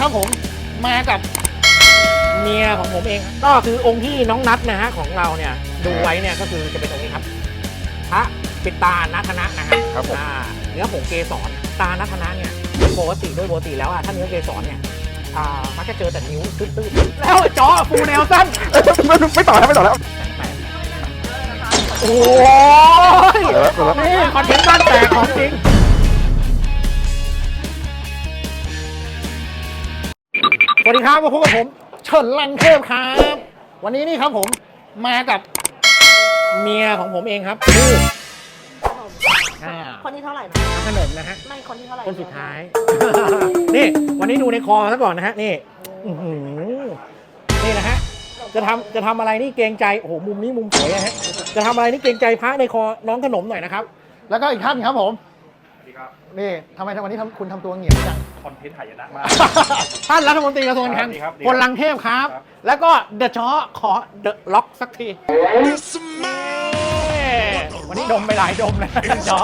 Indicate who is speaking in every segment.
Speaker 1: ครับผมมากับเมียของผมเองก็คือองค์ที่น้องนัทนะฮะของเราเนี่ยดูไว้เนี่ยก็คือจะเป็นองค์นี้ครับพระปิดตานัทนะฮะ
Speaker 2: ครับผม
Speaker 1: เนื้อผงเกสรตานัทนะเนี่ยปกติแล้วถ้าเนื้อเกสรเนี่ยมักจะเจอแต่นิ้วตื้นๆแล้วจอฟูแนวสั้น
Speaker 2: ไม่ต่อแล้ว
Speaker 1: โอ้ยนี่คอนเทนต์บ้านแตกของจริงสวัสดีครับมาพบกับผมเฉินลังเทพครับวันนี้นี่ครับผมมากับเมียของผมเองครับคือ
Speaker 3: คนที่เท่าไหร่นะ
Speaker 1: ขนมนะฮะ
Speaker 3: ไม่คนที่เท่าไหร่
Speaker 1: คนสุดท้าย นี่วันนี้ดูในคอซะก่อนนะฮะนี่นี่นะฮะจะทำอะไรนี่เกรงใจโอ้โหมุมนี้มุมสวยนะฮะจะทำอะไรนี่เกรงใจพระในคอน้องขนมหน่อยนะครับแล้วก็อีกท่านครับผมนี่ทำไมวันนี้คุณทำตัวเหงี่ยวจัง
Speaker 4: คอนเทนต์หายนะมา
Speaker 1: ท่านรัฐมนตรีกระทรวงการคลังคนลังเทพครับ แล้วก็เดอะช้อขอเดอะล็อกสักทีวันนี้ดมไปหลายดมเลยช้อ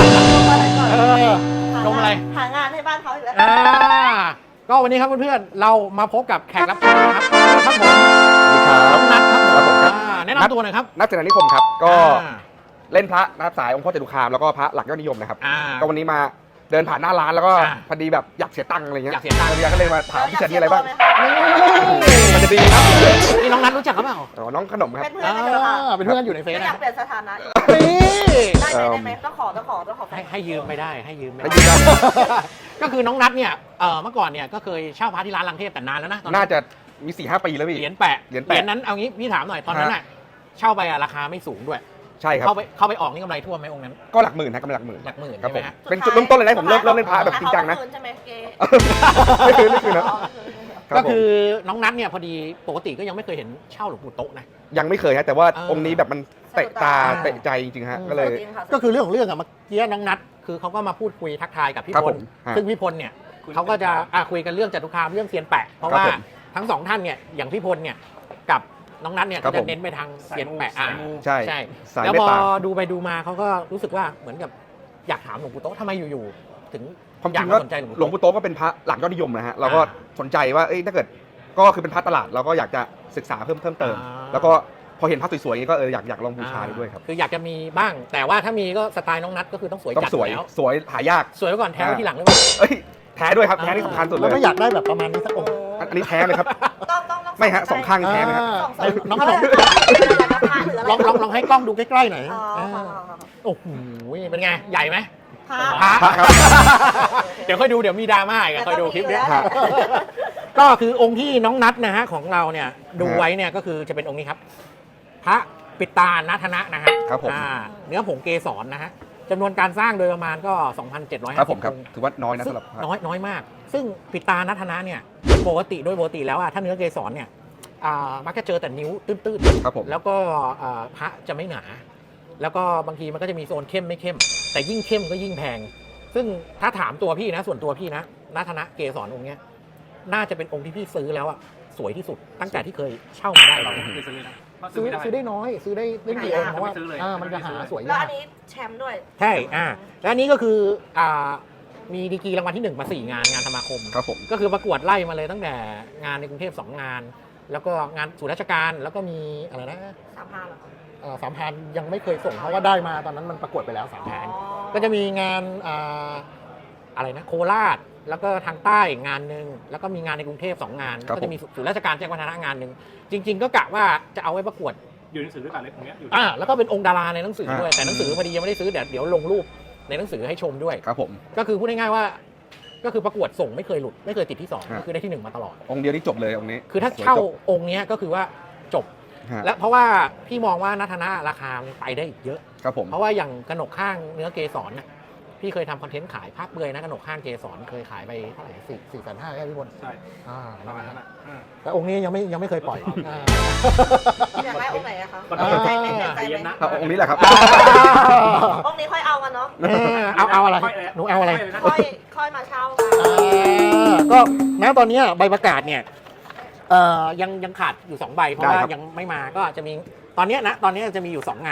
Speaker 1: ดมอะไร
Speaker 3: หางานให้บ้านเขาอีกแล้ว
Speaker 1: ก็วันนี้ครับเพื่อนๆเรามาพบกับแขกรับเชิญนะครับครับผม
Speaker 2: สวัสดีครับ
Speaker 1: น้องนัทครับผม
Speaker 2: ครับผมครับ
Speaker 1: แนะนำตัวหน่อยครับ
Speaker 2: นักเจริญนิคมครับก็เล่นพระนะครับสายองค์พ่อจตุคามแล้วก็พระหลักยอดนิยมนะครับก็วันนี้มาเดินผ่านหน้าร้านแล้วก็พอดีแบบอยากเสียตังค์อะไรเงี้ย
Speaker 1: อยากเสียตังค์
Speaker 2: ก็เลยมาถามพี่เฉินมีอะไรบ้าง
Speaker 3: เ
Speaker 2: มันจะดีครับ
Speaker 1: นี่น้องนัทรู้จักเขาเปล่า
Speaker 2: อ๋อน้องขนมครับ
Speaker 3: ป็นเพื่อนกันเหรอคะ
Speaker 1: เป็นเพื่อนอยู่ในเฟซ
Speaker 3: ไม่อ
Speaker 1: นะ
Speaker 3: ยากเปลี่ยนสถานะ
Speaker 1: นี่
Speaker 3: ได้ไหมต้องขอ
Speaker 1: ให้ยืมไม่ได้ให้ยืมไม่
Speaker 2: ให้
Speaker 1: ได้
Speaker 2: ยืมได้
Speaker 1: ก็คือน้องนัทเนี่ยเมื่อก่อนเนี่ยก็เคยเช่าพระที่ร้านลังเทพแต่นานแล้วนะตอนนั้
Speaker 2: น่าน จะมี 4-5 ปีแล้วพี่
Speaker 1: เหรียญแปะ
Speaker 2: เหรียญแปะ
Speaker 1: นั้นเอางี้พี่ถามหน่อยตอนนั้นน่ะเช่าไปราคาไม่สูงด้วย
Speaker 2: ใช่ครับ
Speaker 1: เข้าไปออกนี่กำไรท่วมไหมองค์นั้น
Speaker 2: ก็หลักหมื่นนะกำลังหลักหมื่น
Speaker 1: หลักหมื่น
Speaker 2: ครับผม
Speaker 1: ใช่ไหมฮะ
Speaker 2: เป็นจุดเริ่มต้นเลยนะผมเริ่มเล่นพระแบบจริงจังนะ
Speaker 3: ใช่ไหมเกย์
Speaker 2: ไม่คืนนะ
Speaker 1: ก็คือน้องนัทเนี่ยพอดีปกติก็ยังไม่เคยเห็นเช่าหลวงปู่โต๊ะนะ
Speaker 2: ยังไม่เคยฮะแต่ว่า
Speaker 1: เออ
Speaker 2: องค์นี้แบบมันเตะตาเตะใจจริงๆฮะก็เลย
Speaker 1: ก็คือเรื่องของเรื่องอะเมื่อกี้น้องนัทคือเขาก็มาพูดคุยทักทายกับพี่
Speaker 2: ครับ
Speaker 1: พ
Speaker 2: ผ
Speaker 1: ล
Speaker 2: มฮะ
Speaker 1: ซึ่งพี่พลเนี่ยเขาก็จะคุยกันเรื่องจตุคามเรื่องเซียนแปะเพราะ
Speaker 2: ครับ
Speaker 1: ว่า
Speaker 2: ผม
Speaker 1: ทั้งสองท่านเนี่ยอย่างพี่พลเนี่ยกับน้องนัทเนี่ย
Speaker 2: ครั
Speaker 1: ก็
Speaker 2: บ
Speaker 1: จะ
Speaker 2: ผม
Speaker 1: เน้นไปทางเซียนแปะ
Speaker 2: ใช่
Speaker 1: ใช่
Speaker 2: สาย
Speaker 1: แล้ว
Speaker 2: เม
Speaker 1: พ
Speaker 2: ต
Speaker 1: อ
Speaker 2: ตา
Speaker 1: ดูไปดูมาเขาก็รู้สึกว่าเหมือนกับอยากถามหลวงปู่โต๊ะทำไมอยู่ๆถึง
Speaker 2: ความ
Speaker 1: อ
Speaker 2: จ
Speaker 1: ยา
Speaker 2: ริ
Speaker 1: ก
Speaker 2: ง
Speaker 1: มา
Speaker 2: ว่า
Speaker 1: สนใจหลวง
Speaker 2: หลวง
Speaker 1: ปู่
Speaker 2: ปู่
Speaker 1: โต๊ะ
Speaker 2: โต๊ะก็เป็นพระหลักยอดนิยมนะฮะเราก็สนใจว่าถ้าเกิดก็คือเป็นพระตลาดเราก็อยากจะศึกษาเพิ่มเติม แล้วก็พอเห็นพระสวยๆอย่างนี้ก็อยากลองบูชาดูด้วยครับ
Speaker 1: คืออยากจะมีบ้าง แต่ว่าถ้ามีก็สไตล์น้องนัทก็คือต้องสวย
Speaker 2: ต้อง
Speaker 1: จัด
Speaker 2: สวย
Speaker 1: แล้ว
Speaker 2: สวยหายาก
Speaker 1: สวยไว้ก่อนแท้ไว้ทีหลังหรือเปล่า
Speaker 2: เอ้ยแท้ด้วยครับแท้นี่สำคัญสุดเล
Speaker 1: แล้ว
Speaker 2: ย
Speaker 1: ก็อยากได้แบบประมาณนี้สักองค์
Speaker 2: อันนี้แท้เลยครับ
Speaker 3: ต้อง
Speaker 2: ไม่ฮะ2 ข้างแท้ไหมครับ
Speaker 1: น้องขนมลองให้กล้องดูใกล้ๆหน่อยโอ้โหเป็นไงใหญ่ไหม
Speaker 3: พระ
Speaker 1: พระ
Speaker 2: พระครับ
Speaker 1: เดี๋ยวค่อยดูเดี๋ยวมีดราม่าอีกอะ
Speaker 3: แต่
Speaker 1: ค่อยดู
Speaker 3: ก็มี
Speaker 1: คลิปเนี้ย
Speaker 3: อยู่แล้ว
Speaker 1: ก็คือองค์ที่น้องนัทนะฮะของเราเนี่ยดูไว้เนี่ยก็คือจะเป็นองค์นี้ครับ พระปิดตานัทนะฮะ
Speaker 2: ครับผม
Speaker 1: เนื้อผงเกสรนะฮะจำนวนการสร้างโดยประมาณก็ 2,750
Speaker 2: ครับผมครับ
Speaker 1: องค์
Speaker 2: ถือว่าน้อยนะ
Speaker 1: ซึ่ง
Speaker 2: สำหรับพระ
Speaker 1: น้อยมาก ซึ่งปิดตานัทนะเนี่ยปกติแล้วถ้าเนื้อเกสรเนี่ยมักจะเจอแต่นิ้วตื้น
Speaker 2: ครับผม
Speaker 1: แล้วก็พระจะไม่หนา แล้วก็บางทีมันก็จะมีโซนเข้มไม่เข้ม แต่ยิ่งเข้มก็ยิ่งแพง ซึ่งถ้าถามตัวพี่นะส่วนตัวพี่นะนัทนะเกสรองค์เนี้ยน่าจะเป็นองค์ที่พี่ซื้อแล้วอะสวยที่สุดตั้งแต่ที่เคยเช่ามาได้เลย ซื้อได้น้อยซื้อได้เล่นกี่องค์เพราะว่ามันจะหาสวย
Speaker 3: แล้ว
Speaker 1: ยา
Speaker 3: อั
Speaker 1: ก
Speaker 3: นนี้แชมป์ด้วย
Speaker 1: ใช่แล้วอันนี้ก็คือมีดีกรีรางวัลที่1มา4 งานสมาคม
Speaker 2: ครับผม
Speaker 1: ก็คือประกวดไล่มาเลยตั้งแต่งานในกรุงเทพ2 งาน แล้วก็งานศูนย์ราชการแล้วก็มีอะไรนะ
Speaker 3: 3,000เหรอ
Speaker 1: 3,000ยังไม่เคยส่งเพราะว่าได้มาตอนนั้นมันประกวดไปแล้ว3,000ก็จะมีงานอะไรนะโคราชแล้วก็ทางใต้งานหนึ่งแล้วก็มีงานในกรุงเทพ2 งาน
Speaker 2: ครับ
Speaker 1: ก็จะมีศูนย์ราชการแจ้งวัฒนะงานหนึ่งจริง ๆ ก็กะว่าจะเอาไว้ประกวด
Speaker 4: อยู่ในหนังสือด้วยกันเลยตรงเนี้ยอยู่
Speaker 1: แล้วก็เป็นองค์ดาราในหนังสือด้วยแต่หนังสือพอดียังไม่ได้ซื้อเดี๋ยวลงรูปในหนังสือให้ชมด้วย
Speaker 2: ครับผม
Speaker 1: ก็คือพูดง่ายๆว่าก็คือประกวดส่งไม่เคยหลุดไม่เคยติดที่2
Speaker 2: ฮะ
Speaker 1: ก็คือได้ที่1มาตลอด
Speaker 2: องค์เดียวนี่จบเลยองค์นี้
Speaker 1: คือถ้า
Speaker 2: สวย
Speaker 1: เช่า
Speaker 2: จบ
Speaker 1: องค์เนี้ยก็คือว่าจบ
Speaker 2: ฮะ
Speaker 1: และเพราะว่าพี่มองว่านัทนะราคามันไปได้อีกเยอะ
Speaker 2: ครับผม
Speaker 1: เพราะว่าอย่างกระหนกข้างเนื้อเกสรน่ะพี่เคยทำคอนเทนต์ขายภาพเบยนะกระหนกข้างเกสรเคยขายไปเท่าไหร่4,500ใช่ไหมพี่บน
Speaker 4: ใช่ ประมาณนั้น
Speaker 1: นั่นแหละ
Speaker 4: อ่ะ
Speaker 1: แต่องค์นี้ยังไม่เคยปล่อย
Speaker 3: อยากได้องค์ไหนอะคะ
Speaker 4: อ่า
Speaker 3: ใจไหมใจไหม
Speaker 2: ครับองค์นี้แหละครับ
Speaker 3: องค์นี้ค่อยเอากันเนาะ
Speaker 1: เอาอะไรหนูเอาอะไร
Speaker 3: ค่อยมาเช่ากัน
Speaker 1: ก็ณตอนนี้ใบประกาศเนี่ยยังขาดอยู่2 ใบเพราะว่า
Speaker 2: ได้ครับ
Speaker 1: ยังไม่มาก็จะมีตอนนี้จะมีอยู่2 งาน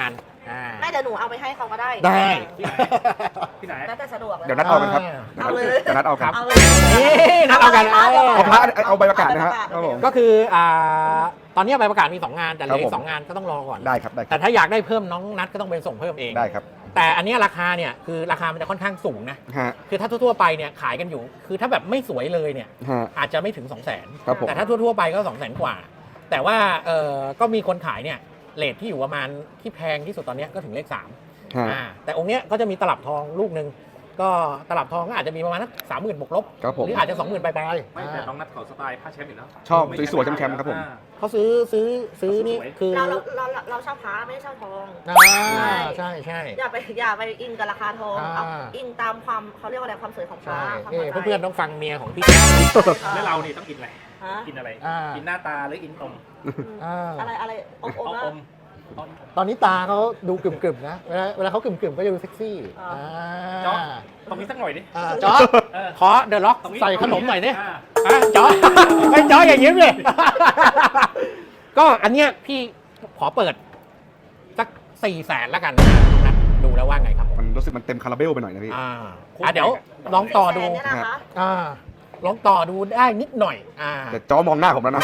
Speaker 3: ไม่เดี๋ยวหนูเอาไปให้เขาก็ได้
Speaker 1: ได้
Speaker 4: ที่ไหน
Speaker 3: แล้วแต่สะดวกเลย
Speaker 2: เดี๋ยวนัดเอากันครับ
Speaker 3: เอาเลย
Speaker 2: เดี๋ยวนัดเอากัน
Speaker 3: เอาเลย
Speaker 1: นี่นัดเอากัน
Speaker 2: เอาพระเอาใบประกาศนะฮะครับผม
Speaker 1: ก็คือตอนนี้ใบประกาศมี2งานแต่เหลืออี
Speaker 2: ครับ
Speaker 1: ก
Speaker 2: ผม
Speaker 1: 2งานก็ต้องรอก่อน
Speaker 2: ได้ครับได้ค
Speaker 1: แต่
Speaker 2: รับ
Speaker 1: ถ้าอยากได้เพิ่มน้องนัดก็ต้องไปส่งเพิ่มเอง
Speaker 2: ได้ครับ
Speaker 1: แต่อันเนี้ยราคาเนี่ยคือราคามันจะค่อนข้างสูงนะ
Speaker 2: ฮะ
Speaker 1: คือถ้าทั่วๆไปเนี่ยขายกันอยู่ คือถ้าแบบไม่สวยเลยเนี่ย
Speaker 2: ฮะ
Speaker 1: อาจจะไม่ถึง 200,000
Speaker 2: ครับผม
Speaker 1: แต่ถ้าทั่วๆไปก็ 200,000 กว่า แต่ว่าก็มีคนขายเนี่ยเรทที่อยู่ประมาณที่แพงที่สุดตอนเนี้ยก็ถึงเลข3
Speaker 2: ฮะ
Speaker 1: แต่องค์เนี้ยก็จะมีตลับทองลูกหนึ่งก็ตลับทองก็อาจจะมีประมาณนัก30,000บวกลบ
Speaker 2: ครับผม
Speaker 1: หรืออาจจะ 20,000ปลาย
Speaker 4: ไม่แต่น้องนัดเขาสไตล์ผ้าแชมป์อยู่แล้ว
Speaker 2: ชอบสวยๆแชมป์ๆครับผม
Speaker 1: ๆเขาซื้อนี่คือ
Speaker 3: เราเช่าพระไม่ได้เช่าทอง
Speaker 1: ใช่
Speaker 3: อย่าไปอินกับราคาทองเอาอินตามความเขาเรียกว่าอะไรความสวยของพระ
Speaker 1: ใช่
Speaker 3: ความ
Speaker 1: นี่
Speaker 3: พอใจ
Speaker 1: เพื่อนๆต้องฟังเมียของพี่
Speaker 4: แล้วเรานี่ต้องกินอะไร
Speaker 3: ฮะ
Speaker 4: กินอะไร
Speaker 1: อ่า
Speaker 4: กินหน้าตาหรือกินตรง
Speaker 3: อะไรอม
Speaker 4: เอา
Speaker 3: ๆนะ
Speaker 4: อม
Speaker 1: ตอนนี้ตาเขาดูกึ่มๆนะเวลาเขากึ่มๆก็จะดูเซ็กซี่
Speaker 4: จ๊อกตรงนี้สักหน่อยดิ
Speaker 1: จอร์จ
Speaker 4: เออ
Speaker 1: ขอเดอะล็อก
Speaker 4: ตรงนี้
Speaker 1: ใส่ขนมหน่อยดิ
Speaker 4: า
Speaker 1: จอร์จไม่จอร์จอย่างนี้เลย ก็อันเนี้ยพี่ขอเปิดสัก400,000แล้วกันนะดูแล้วว่าไงครับผม
Speaker 2: มันรู้สึกมันเต็มคาราเบลไปหน่อยนะพี่
Speaker 1: เดี๋ยวลองต่อดู
Speaker 3: เนี่ยนะคะ
Speaker 1: ลองต่อดูได้นิดหน่อย
Speaker 2: แต่จอมองหน้าผมแล้วนะ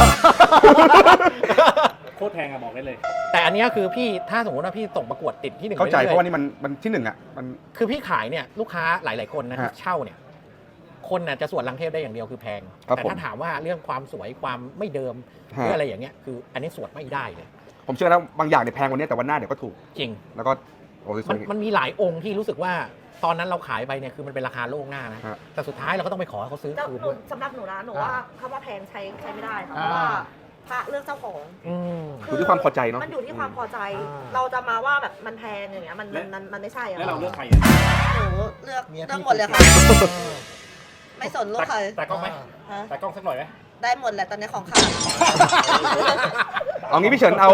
Speaker 4: โคตรแพงอะบอกได้เลย
Speaker 1: แต่อันเนี้ยคือพี่ถ้าสมมติว่าพี่ส่งประกวดติดที่1
Speaker 2: เข้าใจ
Speaker 1: ไป
Speaker 2: เพ
Speaker 1: รื่อยๆ
Speaker 2: ราะว่านี่มันที่หนึ่งอ่ะมัน
Speaker 1: คือพี่ขายเนี่ยลูกค้าหลาย ๆ คนนะ
Speaker 2: ฮะ
Speaker 1: ที่เช่าเนี่ยคนน่ะจะสวดลังเทพได้อย่างเดียวคือแพง
Speaker 2: ครับ
Speaker 1: แต่
Speaker 2: ผม
Speaker 1: ถ้าถามว่าเรื่องความสวยความไม่เดิมห
Speaker 2: ฮะ
Speaker 1: รืออะไรอย่างเงี้ยคืออันนี้สวดไม่ได้เลย
Speaker 2: ผมเชื่อนะบางอย่างเนี่ยแพงกวันนี้แต่วันหน้าเดี๋ยวก็ถูก
Speaker 1: จริง
Speaker 2: แล้วก็โอ้ยส
Speaker 1: มั
Speaker 2: วน ย
Speaker 1: มันมีหลายองค์ที่รู้สึกว่าตอนนั้นเราขายไปเนี่ยคือมันเป็นราคาโล่งหน้านะ
Speaker 2: ฮะ
Speaker 1: แต่สุดท้ายเราก็ต้องไปขอให้เขาซื้อ
Speaker 3: เจ้า
Speaker 1: คืน
Speaker 3: หนู
Speaker 1: ด้วย
Speaker 3: สำหรับหนูนะหนูว่าคำว่าแพงใช้ไม่ได้ค่ะเพราะว่าพระเลือกเจ้าของ
Speaker 1: อืม
Speaker 2: อยู่ที่ความพอใจเนาะ
Speaker 3: มันอยู่ที่ความพอใจ
Speaker 1: อ่า
Speaker 3: เราจะมาว่าแบบมันแพงอย่างเงี้ยมันไม่ใช่อะ
Speaker 4: แล้วเราเลือกใคร
Speaker 3: หนูเลือกหมดเลยค่ะ ไม่สนลูกใคร
Speaker 4: แต่กล้องไหม
Speaker 3: ฮะ
Speaker 4: แต่กล้องสักหน่อยไหม
Speaker 3: ได้หมดแหละตอนนี้ของขาด
Speaker 2: เอางี้พี่เฉินเอา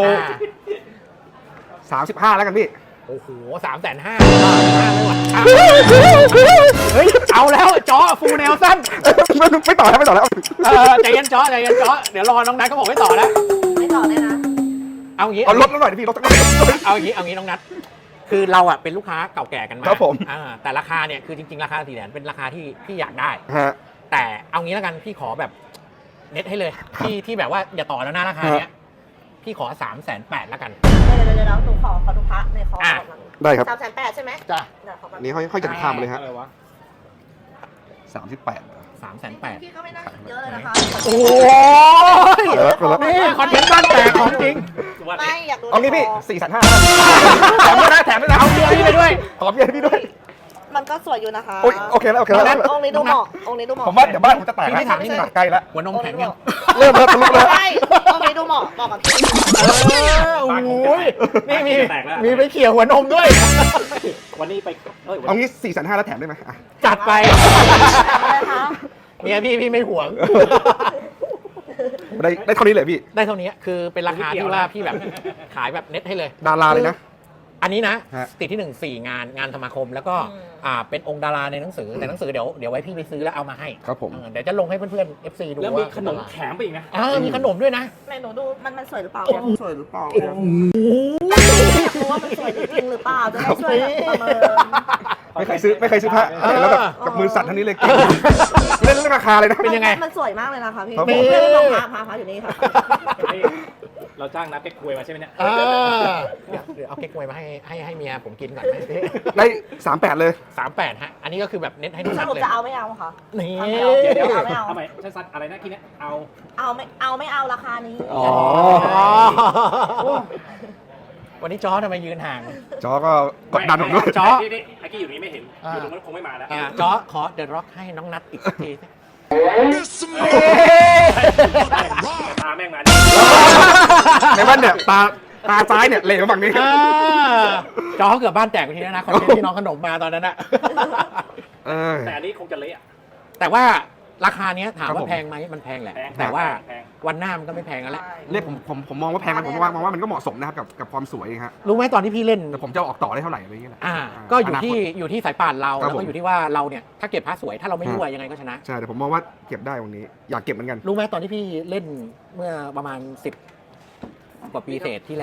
Speaker 2: 35 แล้วกันพี่
Speaker 1: โอ้โห350,000เลยว่ะเฮ้ยเอาแล้วจอฟูแนวสั้น
Speaker 2: ไม่ต่อแล้วไม่ต่อแล้ว
Speaker 1: ใจเย็นจอเดี๋ยวรอน้องนัทเขาบอกไม่ต่อแล้ว
Speaker 3: ไม่ต่อเลยนะ
Speaker 1: เอางี้
Speaker 2: เอาลดแล้วหน่อยดิพี่ลดสักหน่อย
Speaker 1: เอางี้น้องนัทคือเราอ่ะเป็นลูกค้าเก่าแก่กันมา
Speaker 2: ครับผม
Speaker 1: แต่ราคาเนี่ยคือจริงๆราคา400,000เป็นราคาที่พี่อยากได้
Speaker 2: ฮะ
Speaker 1: แต่เอางี้แล้วกันพี่ขอแบบเน็ตให้เลยที่แบบว่าอย่าต่อแล้วนะราคาเนี้ยพี่ขอ380,000แล้วกัน
Speaker 3: เดี๋ยวหนูขอดูพระในคอร์สก่อน
Speaker 2: ได้ครับ
Speaker 3: 380,000ใช่ไหม
Speaker 1: จ้ะ
Speaker 3: เดี๋ยวขอแป๊บ
Speaker 2: อันนี้ห้อยจันทร์ข้ามไปเลยฮะ
Speaker 4: อะไรวะ
Speaker 2: 38
Speaker 1: 380,000
Speaker 3: พี่ก็ไม่น่าเยอะเลยนะคะ
Speaker 1: โอ้ย
Speaker 2: เออ
Speaker 1: นี่คอนเทนต์บ้านแตกของจริง
Speaker 3: ไม่อยากดู
Speaker 2: เอางี้พี่
Speaker 3: ในค
Speaker 2: 4,500แถมด้วยนะแถมด้วยนะ
Speaker 1: เอาเบียร์พี่ไปด้วย
Speaker 2: ขอเบียร์ให้พี่ด้วย
Speaker 3: มันก็สวยอยู่นะคะ
Speaker 2: โอเคแล้วโอเคแล้ว
Speaker 3: องค์นี้ดูเหมาะองค์นี้ดูเหมาะ
Speaker 2: ผมว่าเดี๋ยวบ้านผมจะแตก
Speaker 1: พี่ถามนิดนึง
Speaker 2: ใกล้แล้ว
Speaker 1: หัวนมแข็งยัง
Speaker 2: เริ่มแล้วทะลุแล้ว
Speaker 3: ใช่องค์นี้ดูเหมาะกับพี่
Speaker 1: โอ้ยนี่มี
Speaker 4: แตกแล้ว
Speaker 1: มีไปเขี่ยหัวนมด้วย
Speaker 4: วันนี้ไปวัน
Speaker 2: เอางี้4,500แล้วแถมได้ไหมอ่ะ
Speaker 1: จัดไป
Speaker 3: อะไรคะ
Speaker 1: เมียพี่ไม่ห่วง
Speaker 2: ได้เท่านี้เลยพี่
Speaker 1: ได้เท่านี้คือเป็นราคาที่ว่าพี่แบบขายแบบเน็ตให้เลย
Speaker 2: ดาราเลยนะ
Speaker 1: อันนี้นะ
Speaker 2: ฮะ
Speaker 1: ติดที่ 4 งานสมาคม แล้วก็เป็นองค์ดาราในหนังสือแต่หนังสือเดี๋ยวไว้พี่ไปซื้อแล้วเอามาให้
Speaker 2: ครับผม
Speaker 1: เดี๋ยวจะลงให้เพื่อนๆ FC ดู
Speaker 4: แล้ว
Speaker 1: ว่า
Speaker 4: มีขนมแถมไปอีกนะ
Speaker 1: มีขนมด้วยนะ
Speaker 3: แม่หนูดูมันสวยหรือเปล่าเนี่ยสวยหรือเปล่าอยากรู้ว่ามันสวยจริงหรือเปล่าจะได้ช่วยประเมิน
Speaker 2: ไม่เคยซื้อพระเห็นแล้วแบบกับมือสั่นเท่านี้เลยเก่งเล่นเรื่องราคาเลยนะ
Speaker 1: เป็นยังไง
Speaker 3: มันสวยมากเลยนะคะพี่
Speaker 2: ครับผม
Speaker 3: เพื่อนลองพาอยู่นี่ค่ะ
Speaker 4: เราจ้างนัดไปคุยมาใช่ไหมเนี่ย
Speaker 1: เดี๋ยวเอาเก๊กฮวยมาให้เมียผมกินก่อนไหม
Speaker 2: ได้38เลย
Speaker 1: 38ฮะอันนี้ก็คือแบบเน็ตให้ดู
Speaker 3: ส
Speaker 1: ชัด
Speaker 3: รุป
Speaker 1: เลย
Speaker 3: จะเอาไม่เอาคะ
Speaker 1: นี่
Speaker 4: เดี๋ยว
Speaker 3: ไม่เอา
Speaker 4: ทำไมสั้นๆอะไรนะทีเนี้ยเอา
Speaker 3: เอาไม่เอาราคานี้
Speaker 2: อ๋อ
Speaker 1: วันนี้จอทำไมยืนห่าง
Speaker 2: จอก็กดดันผมด้วย
Speaker 1: จ๊อ
Speaker 4: ที่ไอ้กี้อยู่นี้ไม่เห็นอยู่ตรงนั้นคงไม่มาแล้ว
Speaker 1: จอขอเดอะร็อกให้น้องนัทอีกสักทีสิ
Speaker 4: ตาแม่งมา
Speaker 2: ในบ้านเนี่ยตาซ้ายเนี่ยเหลวฝั่งนี้
Speaker 1: จอเขาเกือบบ้านแตกไปทีแล้วนะคอนเทนต์ที่น้องขนมมาตอนนั้นอะ
Speaker 4: แต่อันนี้คงจะเละ
Speaker 1: แต่ว่าราคาเนี้ยถาม
Speaker 2: ครับ
Speaker 1: ว่า
Speaker 2: ผม
Speaker 1: แพงไหมมันแพงแหละ
Speaker 4: แพง
Speaker 1: แต่ว่า
Speaker 4: แพง
Speaker 1: วันหน้ามันก็ไม่แพงแล้วแหละ
Speaker 2: เรียกผมมองว่าแพงมันผมมองว่ามันก็เหมาะสมนะครับกับความสวยฮะ
Speaker 1: รู้ไหมตอนที่พี่เล่น
Speaker 2: แต่ผมจะเอาออกต่อได้เท่าไหร่อะไรอย่างเงี้ยแหละ
Speaker 1: ก็อยู่ที่สายป่านเรา
Speaker 2: ครับ
Speaker 1: แล้ว
Speaker 2: ผม
Speaker 1: ก็อยู่ที่ว่าเราเนี่ยถ้าเก็บพระสวยถ้าเราไม่
Speaker 2: ฮะ
Speaker 1: รั่วยังไงก็ชนะ
Speaker 2: ใช่แต่ผมมองว่าเก็บได้วันนี้อยากเก็บเหมือนกัน
Speaker 1: รู้ไหมตอนที่พี่เล่นเมื่อประมาณ10 กว่าปีเศษที่แล้วอ่ะ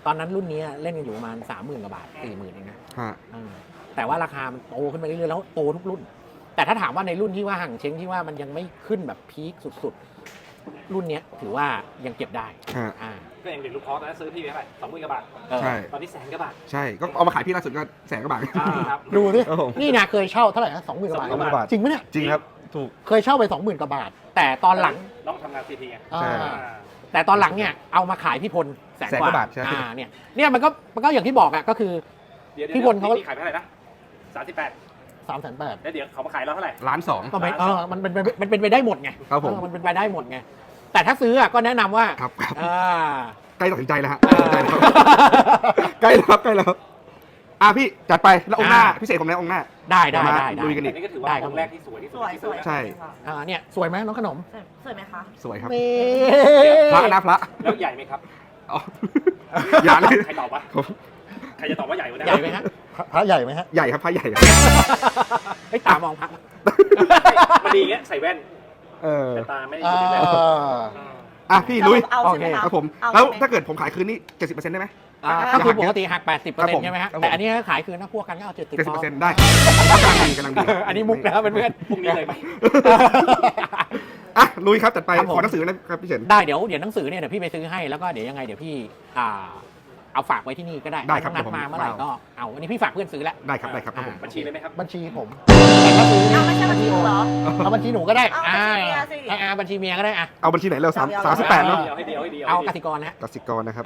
Speaker 1: ตอนนั้นรุ่นนี้เล่นกันอยู่ประมาณ 30,000 กว่าบาท 40,000 เองนะ
Speaker 2: ฮะ
Speaker 1: แต่ว่าราคามันโตขึ้นไปเรื่อยๆแล้วโตทุกรุ่น แต่ถ้าถามว่าในรุ่นที่ว่าห่างเช้งที่ว่ามันยังไม่ขึ้นแบบพีคสุดๆ รุ่นเนี้ยถือว่ายังเก็บได้
Speaker 2: ฮะ
Speaker 1: อ่า
Speaker 4: ก็อย่างเด็กลูกคอตอนนั้นซื้อพี่ไปเท่าไหร่20,000 กว่าบาท
Speaker 2: ใช่
Speaker 4: ตอนนี้100,000 กว่าบาท
Speaker 2: ใช่ก็เอามาขายพี่ล่าสุดก็100,000 กว่าบาท
Speaker 4: ครับ
Speaker 1: ดูสิ
Speaker 2: ครับผม
Speaker 1: นี่นะเคยเช่าเท่าไหร่นะ20,000 กว่าบาท
Speaker 2: 20,000 กว่าบาท
Speaker 1: จริงไหมเนี่ย
Speaker 2: จริงครับถูก
Speaker 1: เคยเช่าไป 20,000 กว่าบาท แต่ตอนหลัง
Speaker 4: น้องทำงานซีทีไง
Speaker 1: อ่า
Speaker 2: ใช่
Speaker 1: แต่ตอนหลังเนี่ยเอามาขายพี่พลแสน
Speaker 2: 100,000
Speaker 1: ก
Speaker 2: กว่า
Speaker 1: ว่า
Speaker 2: บาทใช่
Speaker 1: เนี่ยมันก็อย่างที่บอกอะก็คือ
Speaker 4: เดี๋ยว
Speaker 1: พี่พลเขา
Speaker 4: ขายไปเท่าไหร่นะ38
Speaker 1: 3,800,000
Speaker 4: แล้วเดี๋ยวเขามาขายเราเท่าไหร่
Speaker 2: 1,200,000
Speaker 1: ก็ไม่มันเป็นไปได้หมดไง
Speaker 2: ครับผม
Speaker 1: มันเป็นไปได้หมดไงแต่ถ้าซื้ออะก็แนะนำว่า
Speaker 2: ครับครับ
Speaker 1: อ่า
Speaker 2: ใกล้ตัดสินใจแล้วฮะ
Speaker 1: อ่า
Speaker 2: ตัดสินใจแล้วใกล้แล้วครับใกล้แล้วอ่ะพี่จัดไปแล้วองค์หน้า
Speaker 1: อ่า
Speaker 2: พิเศษผมแล้วองค์หน้า
Speaker 1: ได้
Speaker 2: มา
Speaker 1: ได้
Speaker 2: ลุยกัน
Speaker 4: อั
Speaker 2: อี
Speaker 4: น
Speaker 2: ก
Speaker 4: นี้ก็ถือว่า
Speaker 1: ได้ครับ
Speaker 4: องค์แรกที่สวยที่สุด
Speaker 3: สวย
Speaker 4: ที่
Speaker 3: ส
Speaker 4: ซื้
Speaker 3: วย
Speaker 4: อ
Speaker 2: ใช่
Speaker 1: เนี่ยสวยไหมน้องขนม
Speaker 3: สวยไหมคะ
Speaker 2: สวยครับ
Speaker 1: นี่
Speaker 2: พระนะพระ
Speaker 4: แล้วใหญ่ไหมครับ
Speaker 2: อ๋ออย่าเลย
Speaker 4: ใครตอบวะ
Speaker 2: ผม
Speaker 4: ใครจะตอบว่าใหญ่กว่านี้
Speaker 1: ใหญ่ไหมฮะ
Speaker 5: พระใหญ่ไหมฮะ
Speaker 2: ใหญ่ครับพระใหญ่ครับ
Speaker 1: ไอ้ยตามองพัก
Speaker 4: มันดีอย่างเงี้ยใส่แว่น
Speaker 2: เออ
Speaker 4: แต่ตาไม่ได้
Speaker 5: อ่
Speaker 4: อยู่ในแว่น
Speaker 5: า
Speaker 2: อ่ะพี่ลุย
Speaker 3: เอาใช่ไหมคะ
Speaker 2: ครับผม
Speaker 3: เอา
Speaker 2: แล้ว
Speaker 3: ใช่ไหม
Speaker 2: ถ้าเกิดผมขายคืนนี่ 70%ได้ไหม
Speaker 1: ก็คือปกติหัก
Speaker 2: ครับผม
Speaker 1: 80%ใช่ไหมฮะ
Speaker 2: ครับผม
Speaker 1: แต่อันนี้ขายคืนนะพวกกันก็เอา70%
Speaker 2: 70%ได้กำลังดีกำลังดี
Speaker 1: อันนี้มุกนะครับเพื่อน
Speaker 4: พรุ่งนี้เลยไหม
Speaker 2: อ่ะลุยครับจัดไป
Speaker 1: ครับผม
Speaker 2: ขอหนังสือนะครับพี่เฉิน
Speaker 1: ได้เดี๋ยวหนังสือเนี่ยเดี๋ยวพี่ไปซื้อให้แล้วก็เดี๋ยวยังไงเดี๋ยวพี่เอาฝากไว้ที่นี่ก็ได้
Speaker 2: ได้ครับ
Speaker 1: นัดมา
Speaker 2: ผม
Speaker 1: เมื่อไหร่ก็เอาอันนี้พี่ฝากเพื่อนซื้อแล้ว
Speaker 2: ได้ครับได้ครับครับผม
Speaker 4: บัญชีเลยไหมครับ
Speaker 5: บัญชีผม
Speaker 1: แต่ถ้าซื้อ
Speaker 3: เอาไม่ใช่บัญชีหนูเหรอ
Speaker 5: เอาบัญชีหนูก็ได้
Speaker 3: เอาบัญชีเมียสิ
Speaker 1: บัญชีเมียก็ได้อ่ะ
Speaker 2: เอาบัญชีไหนเรา
Speaker 3: เอา
Speaker 2: 38เนาะ
Speaker 4: เดียวให้เดียวให้เดียว
Speaker 1: เอากสิกรนะฮะ
Speaker 2: กสิกรนะครับ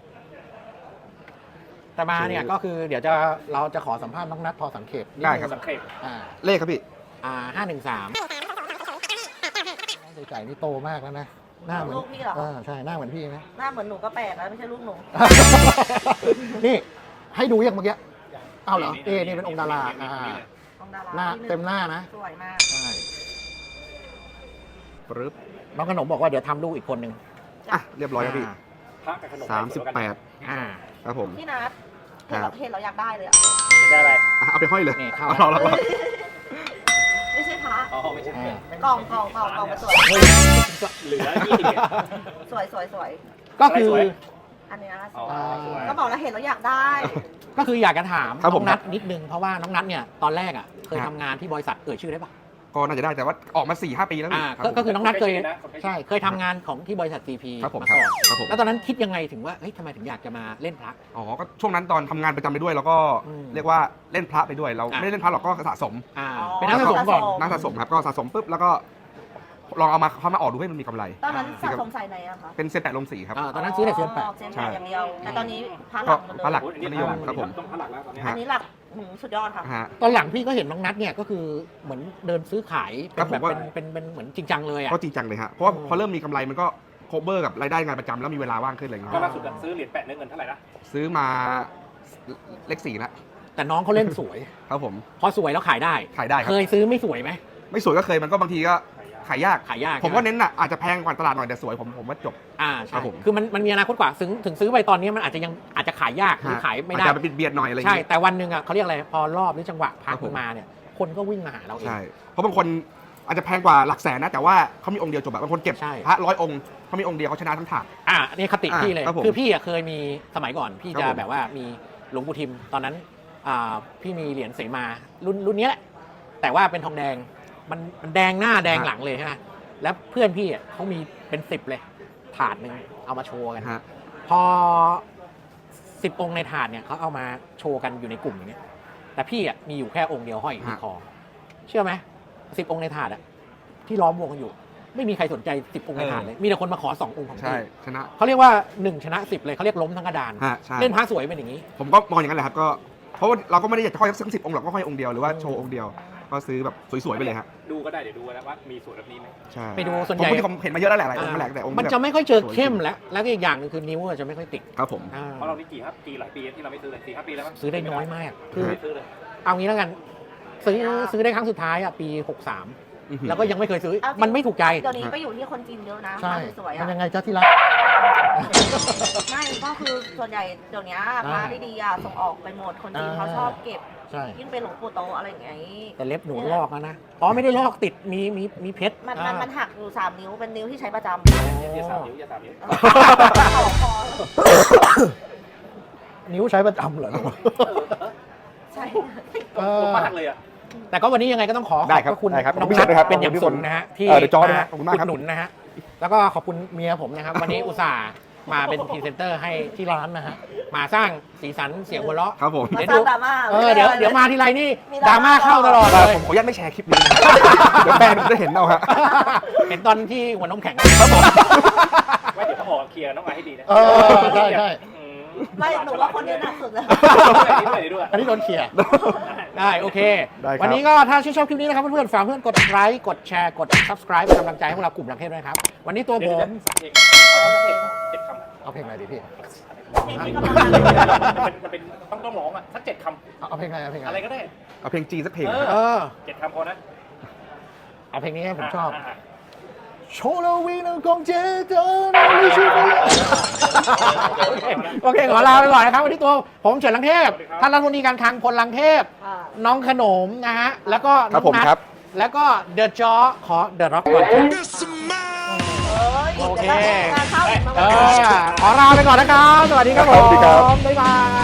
Speaker 1: แต่มาเนี่ยก็คือเดี๋ยวเราจะขอสัมภาษณ์น้องนัทพอสังเขปนิ
Speaker 2: ได้ครับ
Speaker 4: สังเขป
Speaker 2: เลขครับพี่
Speaker 1: 513
Speaker 5: ไก่นี่โตมากแล้วนะ หน้าเหมือน
Speaker 3: ลูกพี่เหรอ
Speaker 5: ใช่ หน้าเหมือนพี่นะ
Speaker 3: หน้าเหมือนหนูก็แปลกแล้วไม่ใช่ลูกหนู
Speaker 5: นี่ ให้ดูยังเมื่อกี้เอาเหรอ นี่เป็นองค์ดารา
Speaker 3: ของดารา
Speaker 5: หน้า
Speaker 3: ที่
Speaker 5: เต็มหน้านะ
Speaker 3: สวยมาก
Speaker 5: ใช่
Speaker 2: ปึ๊บ
Speaker 1: น้องขนมบอกว่าเดี๋ยวทำลูกอีกคนนึง
Speaker 2: อ่ะเรียบร้อยครับพี่
Speaker 4: พระกับขนม
Speaker 2: 38
Speaker 1: อ่า
Speaker 2: ครับผม
Speaker 3: พี่นัทเห็นเราอยากได้เลยอ่ะ
Speaker 4: ได้อะไร
Speaker 2: อ่ะเอาไปห้อยเลย
Speaker 1: นี่เข้า
Speaker 2: เอาเรา
Speaker 3: ไม่ใช่พระ
Speaker 4: อ๋อไม่ใช่
Speaker 3: กล่องมาสวย
Speaker 4: เหลือ20
Speaker 3: สวยสวย
Speaker 1: ก็คือ
Speaker 4: สวย
Speaker 3: อันเนี้ยส
Speaker 4: อ๋อ
Speaker 3: วย
Speaker 4: สวย
Speaker 3: ก็บอกแล้วเห็นแล้วอยากได้
Speaker 1: ก็คืออยากจะถาม
Speaker 2: ครับผ
Speaker 1: น้อ
Speaker 2: ม
Speaker 1: งนัทนิดนึงเพราะว่าน้องนัทเนี่ยตอนแรกอ่ะเคย
Speaker 2: ครับ
Speaker 1: ทำงานที่บริษัทชื่อได้ปะ
Speaker 2: ก็น่าจะได้แต่ว่าออกมา 4-5 ปีแล้วพี่รับผม
Speaker 1: ก็คือน้องนัทเคย
Speaker 4: ใช่
Speaker 1: เคยทำงานของที่บริษัท CP
Speaker 2: ครับผม
Speaker 1: มาก่อน
Speaker 2: ครับผม
Speaker 1: แล้วตอนนั้นคิดยังไงถึงว่าเฮ้ยทำไมถึงอยากจะมาเล่นพระ
Speaker 2: อ๋อก็ช่วงนั้นตอนทำงานประจำไปด้วยแล้วก็
Speaker 1: อืม
Speaker 2: เรียกว่าเล่นพระไปด้วยเรา
Speaker 1: อ่ะ
Speaker 2: ไม่ได้เล่นพระหรอกก็สะสม
Speaker 1: เป็นนักสะสมก่อน
Speaker 2: นักสะสมครับก็สะสมปุ๊บแล้วก็ลองเอามาออกดูให้มันมีกำไร
Speaker 3: ตอนนั้นสะสมใส่ไหนอะคะ
Speaker 2: เป็นเซนแปดลงสีครับ
Speaker 1: ตอนนั้นซื้อแต่เซียนแปด
Speaker 3: เซียนแปดอย่างเดียว แต่ตอนนี้พระห
Speaker 2: ก็
Speaker 3: ลักหมดเลย
Speaker 2: พระหลักนิยมครับผม
Speaker 4: ต้องพระหลักแล้วตอนนี้
Speaker 3: อันนี้หลักสุดยอดค่ะ
Speaker 2: ฮะ
Speaker 1: ตอนหลังพี่ก็เห็นน้องนัทเนี่ยก็คือเหมือนเดินซื้อขายเป็น
Speaker 2: ครับ
Speaker 1: แบบ
Speaker 2: ผมว่า
Speaker 1: เป็นเหมือนจริงจังเลยอ่ะ
Speaker 2: ก็จริงจังเลยฮะเพราะว่า
Speaker 1: อืม
Speaker 2: พอเริ่มมีกำไรมันก็โคเวอร์กับรายได้งานประจำแล้วมีเวลาว่างขึ้นอะไรอย่าง
Speaker 4: ก็
Speaker 2: เงี้ย
Speaker 4: ล่าสุดซื้อเหรียญแปะเนื้อเงินเท่าไหร่นะ
Speaker 2: ซื้อมาเลข4แล้ว
Speaker 1: แต่น้องเขาเล่นสวย
Speaker 2: ครับผม
Speaker 1: พอสวยแล้วขายได้
Speaker 2: ขายได้ครั
Speaker 1: เค
Speaker 2: บ
Speaker 1: ยซื้อไม่สวยไหม
Speaker 2: ไม่สวยก็เคยมันก็บางทีก็ขายยาก
Speaker 1: ขายยาก
Speaker 2: ผมว่าเน้นอ่ะอาจจะแพงกว่าตลาดหน่อยแต่สวยผมว่าจบ
Speaker 1: ค
Speaker 2: ครั
Speaker 1: รั
Speaker 2: บบ ผม
Speaker 1: คือมันมีอนาคตกว่าถึงซื้อไปตอนนี้มันอาจจะขายยากหรือขายไม่ได้
Speaker 2: อาจจะเบียดๆหน่อยอะไรอย่าง
Speaker 1: ใช่
Speaker 2: เงี้ย
Speaker 1: แต่วันหนึ่งอ่ะเขาเรียกอะไรพอรอบหรือจังหวะพั
Speaker 2: ครั
Speaker 1: ก
Speaker 2: บผม
Speaker 1: มาเนี่ยคนก็วิ่งมาหาเราเอง
Speaker 2: ใช่เพราะบางคนอาจจะแพงกว่าหลักแสนนะแต่ว่าเขามีองค์เดียวจบแบบบางคนเก็บ
Speaker 1: ใช่
Speaker 2: พระ100 องค์เขามีองค์เดียวเขาชนะทั้งถาด
Speaker 1: อันนี้คติพี่เลย
Speaker 2: ครับผม
Speaker 1: คือพี่อ่ะเคยมีสมัยก่อนพี่
Speaker 2: ครับ
Speaker 1: จะ
Speaker 2: ผม
Speaker 1: แบบว่ามีหลวงปู่ทิมตอนนั้นพี่มีเหรียญเสมารุ่นนี้แหละแต่ว่าเป็นทองแดงมันแดงหน้าแดงหลังเลยใช่ไหมแล้วเพื่อนพี่อ่ะเขามีเป็น10เลยถาดหนึ่งเอามาโชว์กัน
Speaker 2: ฮะ
Speaker 1: พอ10 องค์ในถาดเนี่ยเขาเอามาโชว์กันอยู่ในกลุ่มอย่างเงี้ยแต่พี่อ่ะมีอยู่แค่องค์เดียวห้อยอยู่ที่คอเชื่อไหม10 องค์ในถาดอ่ะที่ล้อมวงกันอยู่ ไม่มีใครสนใจ10 องค์ในถาดเลยมีแต่คนมาขอ2 องค์ของ
Speaker 2: ใช่
Speaker 1: พี่
Speaker 2: ชนะ
Speaker 1: เขาเรียกว่า1ชนะ10เลยเขาเรียกล้มทั้งกระดาน
Speaker 2: ฮะใช่
Speaker 1: เล่นพระสวยเป็นอย่างนี้
Speaker 2: ผมก็มองอย่างนั้นแหละครับก็เพราะว่าเราก็ไม่ได้อยากจะห้อยสัก10 องค์หรอกก็ห้อยองค์เดียวหรือว่าโชว์องค์เดียวก็ซื้อแบบสวยๆไปเลยฮะ
Speaker 4: ดูก็ได้เดี๋ยวดูนะว่ามีส่วนแบบนี้ไหม
Speaker 2: ใช่
Speaker 1: ไปดูส่วนใหญ่
Speaker 2: ผมเห็นมาเยอะแล้วแหละหลายองค์แหละแต่องค์
Speaker 1: มัน
Speaker 2: แบบ
Speaker 1: จะไม่ค่อยเจอเข้มแล้วก็อีกอย่างหนึงคือนิ้วอะจะไม่ค่อยติด
Speaker 2: ครับผม
Speaker 1: อ่า
Speaker 4: เพราะเรานี่กี่หลายปีที่เราไม่ซื้อเลย4-5 ปีแล้วมั้ง
Speaker 1: ซื้อได้น้อยมากคือ
Speaker 4: ไม่ซื้อเลย
Speaker 1: เอางี้แล้วกันซื้อได้ครั้งสุดท้ายอ่ะปี 63 แล้วก็ยังไม่เคยซื้อ
Speaker 3: เอาจริง
Speaker 1: มันไม่ถูกใจ
Speaker 3: เดี๋ยวนี้ไปอยู่ที่คนจีนเยอะนะ
Speaker 5: ใช่
Speaker 3: สวย
Speaker 5: มัน
Speaker 3: อะ
Speaker 5: ยังไงจ้าที่รัก
Speaker 3: ไม่ก็คือส่วนใหญ่เดี๋ยวนี้พระดีๆอะส่งออกไปหมดคนจีนเขาชอบเก็บ
Speaker 5: ใช่
Speaker 3: ยิ่งเป็นหลวงปู่โตอะไรอย่างเงี้ย
Speaker 1: แต่เล็บหนูลอกแล้วนะอ๋อไม่ได้ลอกติดมีเพชร
Speaker 3: มันหักอยู่3 นิ้วเป็นนิ้วที่ใช้ประจำ
Speaker 4: อย่า3 นิ้วอย่า3 นิ้ว
Speaker 3: ต่อคอ
Speaker 5: นิ้วใช้ประจำเหรอ
Speaker 3: ใช่
Speaker 4: ผมมากเลยอ่ะ
Speaker 1: แต่ก็วันนี้ยังไงก็ต้องขอ
Speaker 2: ได้
Speaker 1: ขอบ
Speaker 2: ครับ
Speaker 1: พระคุณ
Speaker 2: ได้ครับ
Speaker 1: น้อง
Speaker 2: ขอบคุณ
Speaker 1: นัท
Speaker 2: พี่ครับ
Speaker 1: เป็นอย่าง
Speaker 2: ขอบคุณ
Speaker 1: สูงนะฮะที่
Speaker 2: เดี๋ยวจอด้วยนะขอบคุณมากครับ
Speaker 1: อุดหนุนนะฮะแล้วก็ขอบคุณเมียผมนะครับ วันนี้อุตส่าห์มาเป็นพรีเซนเตอร์ให้ที่ร้านนะฮะมาสร้างสีสันเสียงหัวเราะ
Speaker 2: ครับผม
Speaker 3: มา
Speaker 1: เดี๋ยว
Speaker 3: สร้า
Speaker 1: ดู
Speaker 3: งดราม่า
Speaker 1: เดี๋ยวมาทีไรนี่
Speaker 3: มี
Speaker 1: ดราม่าเข้าตลอดเลย
Speaker 2: ผมขออนุญาตไม่แชร์คลิปนี้นะ เดี๋ยวแฟนผมจะเห็นเอาฮะ
Speaker 1: เห็นตอนที่หัวน้ำแข็ง
Speaker 4: ไว้เดี๋ยวเขาออกเคลียร์น้องไอให้ดีนะ
Speaker 5: เออใช่ใช่
Speaker 4: อืม
Speaker 3: ไม่หนูว่าคนนี้หนักสุดเลย
Speaker 4: ด้วย
Speaker 5: อันนี้โดนเขี่ย
Speaker 1: ได้โอเค
Speaker 2: ได้ครับ
Speaker 1: วันนี้ก็ถ้าชื่นชอบคลิปนี้นะครับเพื่อนๆฝากเพื่อนกดไลค์กดแชร์กด subscribe เป็นกำลังใจให้พวกเรากลุ่มลังเทพด้วยนะครับ วันนี้ตัวผม
Speaker 4: เจ็ดคำ
Speaker 5: เอาเพลงอะไรดีพี่
Speaker 3: เพลงที่กำลังดัง
Speaker 4: มันเป็นต้องร้องอ่ะสัก7 คำ
Speaker 5: เอาเพลงอะไรเอาเพลง
Speaker 4: อะไร
Speaker 5: อะไร
Speaker 4: ก็ได้
Speaker 2: เอาเพลงจีนสักเพลง
Speaker 1: เออ
Speaker 4: 7 คำพอนะ
Speaker 1: เอาเพลงนี้ให้ผมชอบ
Speaker 5: โชว์เราวีนังกงเจเจอเราไม่ใช่ไหม
Speaker 1: โอเคขอลาไปก่อนนะครับ วันนี้ตัวผมเฉินลังเทพท่านรัฐมนตรีการคลังพลลังเทพ
Speaker 3: อ่า
Speaker 1: น้องขนมนะฮะ แล้วก็
Speaker 2: ครั
Speaker 1: น้
Speaker 2: บ
Speaker 1: อง
Speaker 2: ผม
Speaker 1: นัท
Speaker 2: ครับ
Speaker 1: แล้วก็เดอะจอขอเดอะร็อกก่อน
Speaker 3: โอเคงานเข้าอีกมา
Speaker 1: ขอลาไปก่อนนะครับ สวัสดีครับผ
Speaker 2: สวัสดีครับ
Speaker 1: ม บ๊ายบาย